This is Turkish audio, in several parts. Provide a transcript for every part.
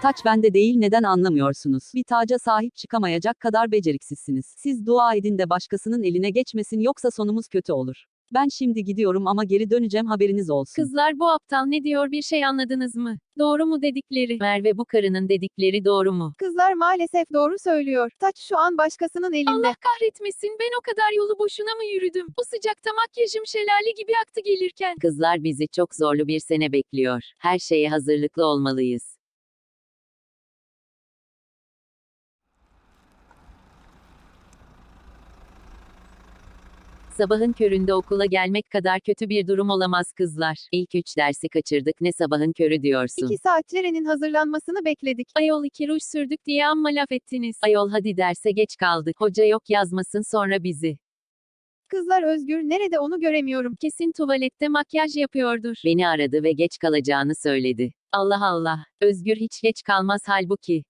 Taç bende değil, neden anlamıyorsunuz? Bir taca sahip çıkamayacak kadar beceriksizsiniz. Siz dua edin de başkasının eline geçmesin, yoksa sonumuz kötü olur. Ben şimdi gidiyorum ama geri döneceğim, haberiniz olsun. Kızlar, bu aptal ne diyor, bir şey anladınız mı? Doğru mu dedikleri? Merve, bu karının dedikleri doğru mu? Kızlar maalesef doğru söylüyor. Taç şu an başkasının elinde. Allah kahretmesin, ben o kadar yolu boşuna mı yürüdüm? O sıcakta makyajım şelale gibi aktı gelirken. Kızlar, bizi çok zorlu bir sene bekliyor. Her şeye hazırlıklı olmalıyız. Sabahın köründe okula gelmek kadar kötü bir durum olamaz kızlar. İlk 3 dersi kaçırdık, ne sabahın körü diyorsun? 2 saat Ceren'in hazırlanmasını bekledik. Ayol, 2 ruj sürdük diye amma laf ettiniz. Ayol, hadi derse geç kaldık. Hoca yok yazmasın sonra bizi. Kızlar, Özgür nerede, onu göremiyorum. Kesin tuvalette makyaj yapıyordur. Beni aradı ve geç kalacağını söyledi. Allah Allah. Özgür hiç geç kalmaz halbuki.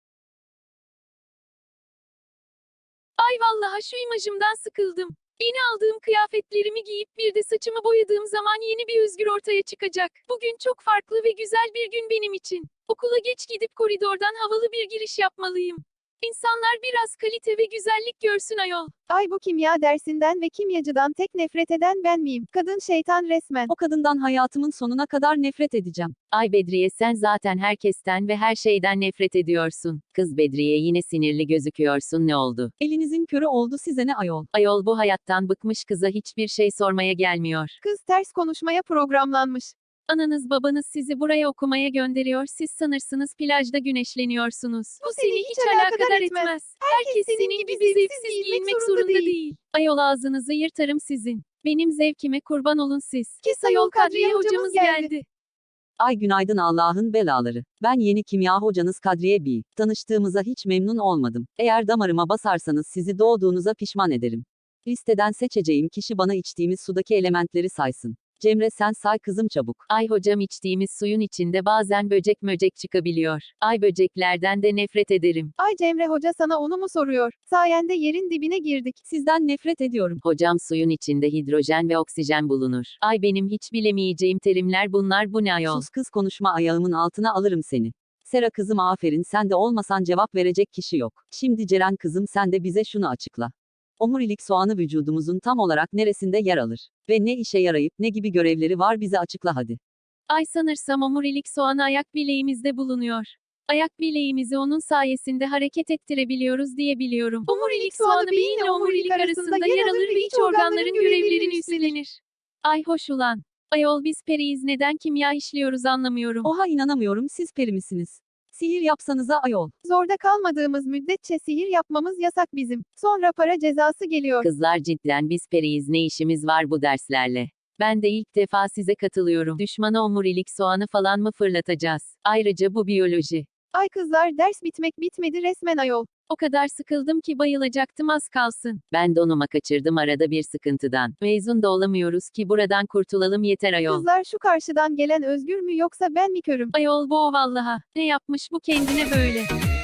Ay vallahi şu imajımdan sıkıldım. Yeni aldığım kıyafetlerimi giyip bir de saçımı boyadığım zaman yeni bir Özgür ortaya çıkacak. Bugün çok farklı ve güzel bir gün benim için. Okula geç gidip koridordan havalı bir giriş yapmalıyım. İnsanlar biraz kalite ve güzellik görsün ayol. Ay, bu kimya dersinden ve kimyacıdan tek nefret eden ben miyim? Kadın şeytan resmen. O kadından hayatımın sonuna kadar nefret edeceğim. Ay Bedriye, sen zaten herkesten ve her şeyden nefret ediyorsun. Kız Bedriye, yine sinirli gözüküyorsun, ne oldu? Elinizin körü oldu, size ne ayol? Ayol, bu hayattan bıkmış kıza hiçbir şey sormaya gelmiyor. Kız ters konuşmaya programlanmış. Ananız babanız sizi buraya okumaya gönderiyor, siz sanırsınız plajda güneşleniyorsunuz. Bu seni hiç alakadar etmez. Herkes senin gibi zevksiz giyinmek zorunda değil. Ayol, ağzınızı yırtarım sizin. Benim zevkime kurban olun siz. Kes Ayol, ayol, Kadriye Kadriye hocamız hocamız geldi. Ay günaydın Allah'ın belaları. Ben yeni kimya hocanız Kadriye Bey. Tanıştığımıza hiç memnun olmadım. Eğer damarıma basarsanız sizi doğduğunuza pişman ederim. Listeden seçeceğim kişi bana içtiğimiz sudaki elementleri saysın. Cemre, sen say kızım çabuk. Ay hocam, içtiğimiz suyun içinde bazen böcek möcek çıkabiliyor. Ay, böceklerden de nefret ederim. Ay Cemre hoca sana onu mu soruyor? Sayende yerin dibine girdik. Sizden nefret ediyorum. Hocam, suyun içinde hidrojen ve oksijen bulunur. Ay, benim hiç bilemeyeceğim terimler bunlar, bu ne ayol? Sus kız, konuşma, ayağımın altına alırım seni. Sera kızım, aferin, sen de olmasan cevap verecek kişi yok. Şimdi Ceren kızım, sen de bize şunu açıkla. Omurilik soğanı vücudumuzun tam olarak neresinde yer alır? Ve ne işe yarayıp ne gibi görevleri var, bize açıkla hadi. Ay, sanırsam omurilik soğanı ayak bileğimizde bulunuyor. Ayak bileğimizi onun sayesinde hareket ettirebiliyoruz diye biliyorum. Omurilik soğanı beyinle omurilik arasında yer alır ve iç organların görevlerini üstlenir. Ay hoş ulan. Ayol, biz periyiz, neden kimya işliyoruz anlamıyorum. Oha, inanamıyorum, siz peri misiniz? Sihir yapsanıza ayol. Zorda kalmadığımız müddetçe sihir yapmamız yasak bizim. Sonra para cezası geliyor. Kızlar, cidden biz periyiz, ne işimiz var bu derslerle? Ben de ilk defa size katılıyorum. Düşmana omurilik soğanı falan mı fırlatacağız? Ayrıca bu biyoloji. Ay kızlar, ders bitmek bitmedi resmen ayol. O kadar sıkıldım ki bayılacaktım az kalsın. Ben donuma kaçırdım arada bir sıkıntıdan. Mezun da olamıyoruz ki, buradan kurtulalım yeter ayol. Kızlar, şu karşıdan gelen Özgür mü yoksa ben mi körüm? Ayol, bu o vallaha. Ne yapmış bu kendine böyle?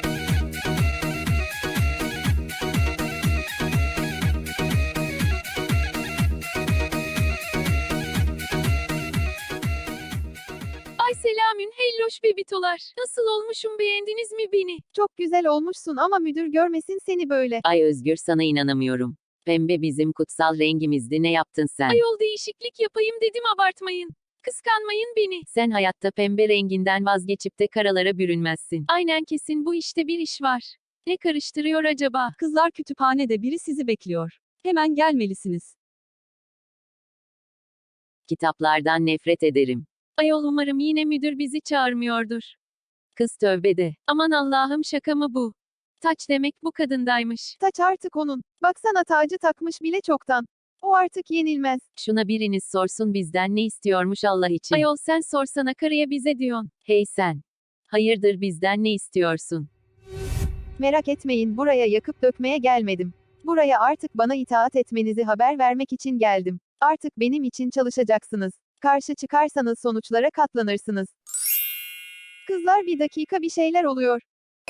Ay selamün helloş bebitolar. Nasıl olmuşum, beğendiniz mi beni? Çok güzel olmuşsun ama müdür görmesin seni böyle. Ay Özgür, sana inanamıyorum. Pembe bizim kutsal rengimizdi, ne yaptın sen? Ayol, değişiklik yapayım dedim, abartmayın. Kıskanmayın beni. Sen hayatta pembe renginden vazgeçip de karalara bürünmezsin. Aynen, kesin bu işte bir iş var. Ne karıştırıyor acaba? Kızlar, kütüphanede biri sizi bekliyor. Hemen gelmelisiniz. Kitaplardan nefret ederim. Ayol, umarım yine müdür bizi çağırmıyordur. Kız, tövbe de. Aman Allah'ım, şaka mı bu? Taç demek bu kadındaymış. Taç artık onun. Baksana, tacı takmış bile çoktan. O artık yenilmez. Şuna biriniz sorsun, bizden ne istiyormuş Allah için. Ayol, sen sorsana karıya, bize diyorsun. Hey sen. Hayırdır, bizden ne istiyorsun? Merak etmeyin, buraya yakıp dökmeye gelmedim. Buraya artık bana itaat etmenizi haber vermek için geldim. Artık benim için çalışacaksınız. Karşı çıkarsanız sonuçlara katlanırsınız. Kızlar, bir dakika, bir şeyler oluyor.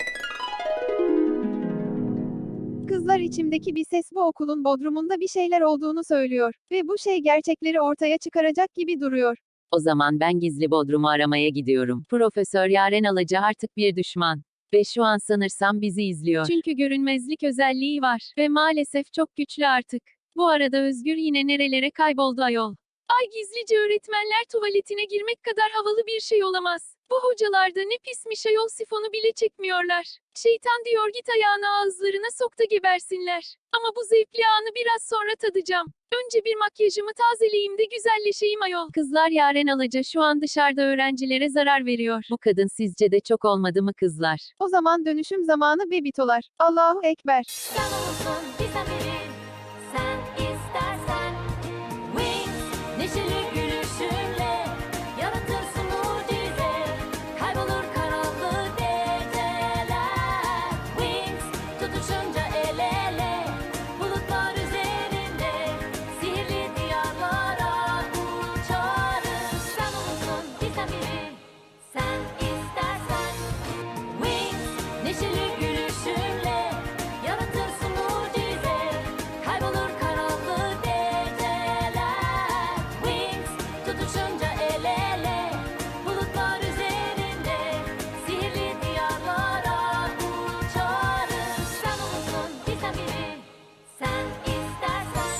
Kızlar, içimdeki bir ses bu okulun bodrumunda bir şeyler olduğunu söylüyor. Ve bu şey gerçekleri ortaya çıkaracak gibi duruyor. O zaman ben gizli bodrumu aramaya gidiyorum. Profesör Yaren Alaca artık bir düşman. Ve şu an sanırsam bizi izliyor. Çünkü görünmezlik özelliği var. Ve maalesef çok güçlü artık. Bu arada Özgür yine nerelere kayboldu ayol. Ay gizlice öğretmenler tuvaletine girmek kadar havalı bir şey olamaz. Bu hocalar da ne pismiş ayol sifonu bile çekmiyorlar. Şeytan diyor git ayağını ağızlarına sok da gebersinler. Ama bu zevkli anı biraz sonra tadacağım. Önce bir makyajımı tazeleyeyim de güzelleşeyim ayol. Kızlar Yaren Alaca şu an dışarıda öğrencilere zarar veriyor. Bu kadın sizce de çok olmadı mı kızlar? O zaman dönüşüm zamanı bebitolar. Allahu Ekber. Sen olursun bizden biri, sen istersen. Wings, neşeli gülüşünle yaratırsın mucize. Kaybolur karanlık geceler. Wings, tutuşunca el ele, bulutlar üzerinde sihirli diyarlara uçarız. Sen olursun bizden biri, sen istersen. Wings, neşeli gülüşünle yaratırsın mucize. Kaybolur karanlık geceler. Wings, tutuşunca el ele, bulutlar üzerinde sihirli diyarlara uçarız. Sen olursun bizden biri, sen istersen.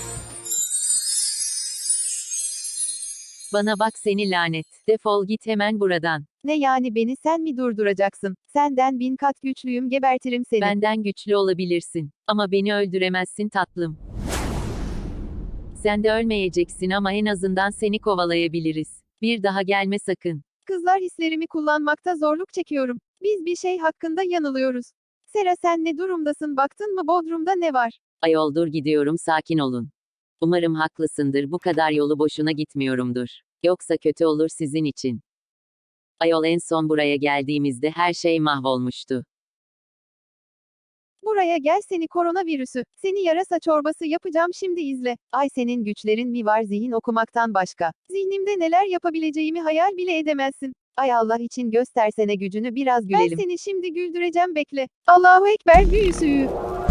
Bana bak seni lanet. Defol git hemen buradan. Ne yani beni sen mi durduracaksın? Senden 1000 kat güçlüyüm gebertirim seni. Benden güçlü olabilirsin. Ama beni öldüremezsin tatlım. Sen de ölmeyeceksin ama en azından seni kovalayabiliriz. Bir daha gelme sakın. Kızlar hislerimi kullanmakta zorluk çekiyorum. Biz bir şey hakkında yanılıyoruz. Sera sen ne durumdasın baktın mı Bodrum'da ne var? Ayol dur gidiyorum sakin olun. Umarım haklısındır bu kadar yolu boşuna gitmiyorumdur. Yoksa kötü olur sizin için. Ayol en son buraya geldiğimizde her şey mahvolmuştu. Buraya gel seni koronavirüsü. Seni yarasa çorbası yapacağım şimdi izle. Ay senin güçlerin mi var zihin okumaktan başka? Zihnimde neler yapabileceğimi hayal bile edemezsin. Ay Allah için göstersene gücünü biraz gülelim. Ben seni şimdi güldüreceğim bekle. Allahu Ekber büyüsü.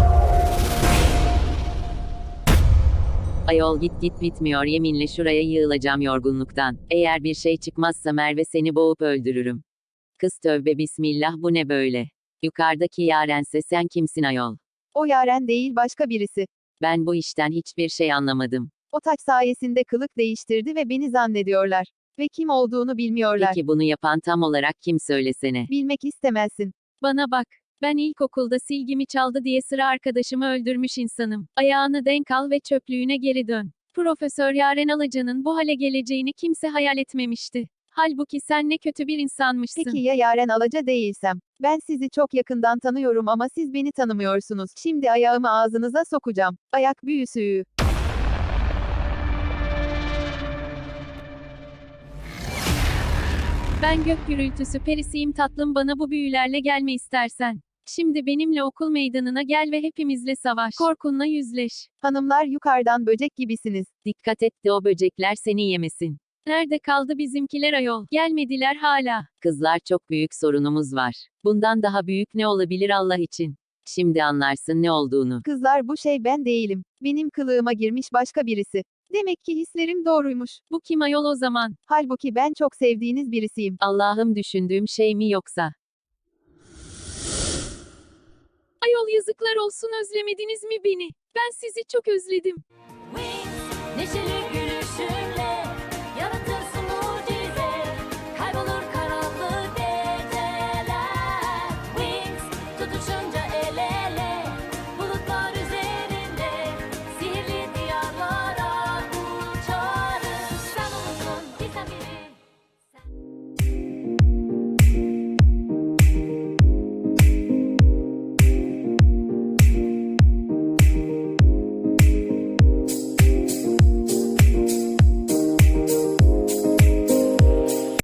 Ayol git bitmiyor yeminle şuraya yığılacağım yorgunluktan. Eğer bir şey çıkmazsa Merve seni boğup öldürürüm. Kız tövbe bismillah bu ne böyle? Yukarıdaki Yarense sen kimsin ayol? O Yaren değil başka birisi. Ben bu işten hiçbir şey anlamadım. O taç sayesinde kılık değiştirdi ve beni zannediyorlar. Ve kim olduğunu bilmiyorlar. Peki bunu yapan tam olarak kim söylesene? Bilmek istemezsin. Bana bak. Ben ilkokulda silgimi çaldı diye sıra arkadaşımı öldürmüş insanım. Ayağını denk al ve çöplüğüne geri dön. Profesör Yaren Alaca'nın bu hale geleceğini kimse hayal etmemişti. Halbuki sen ne kötü bir insanmışsın. Peki ya Yaren Alaca değilsem? Ben sizi çok yakından tanıyorum ama siz beni tanımıyorsunuz. Şimdi ayağımı ağzınıza sokacağım. Ayak büyüsü. Ben gök gürültüsü perisiyim tatlım bana bu büyülerle gelme istersen. Şimdi benimle okul meydanına gel ve hepimizle savaş. Korkunla yüzleş. Hanımlar yukarıdan böcek gibisiniz. Dikkat et de o böcekler seni yemesin. Nerede kaldı bizimkiler ayol? Gelmediler hala. Kızlar çok büyük sorunumuz var. Bundan daha büyük ne olabilir Allah için? Şimdi anlarsın ne olduğunu. Kızlar bu şey ben değilim. Benim kılığıma girmiş başka birisi. Demek ki hislerim doğruymuş. Bu kim ayol o zaman? Halbuki ben çok sevdiğiniz birisiyim. Allah'ım düşündüğüm şey mi yoksa? Ayol yazıklar olsun özlemediniz mi beni? Ben sizi çok özledim. Wings, neşeli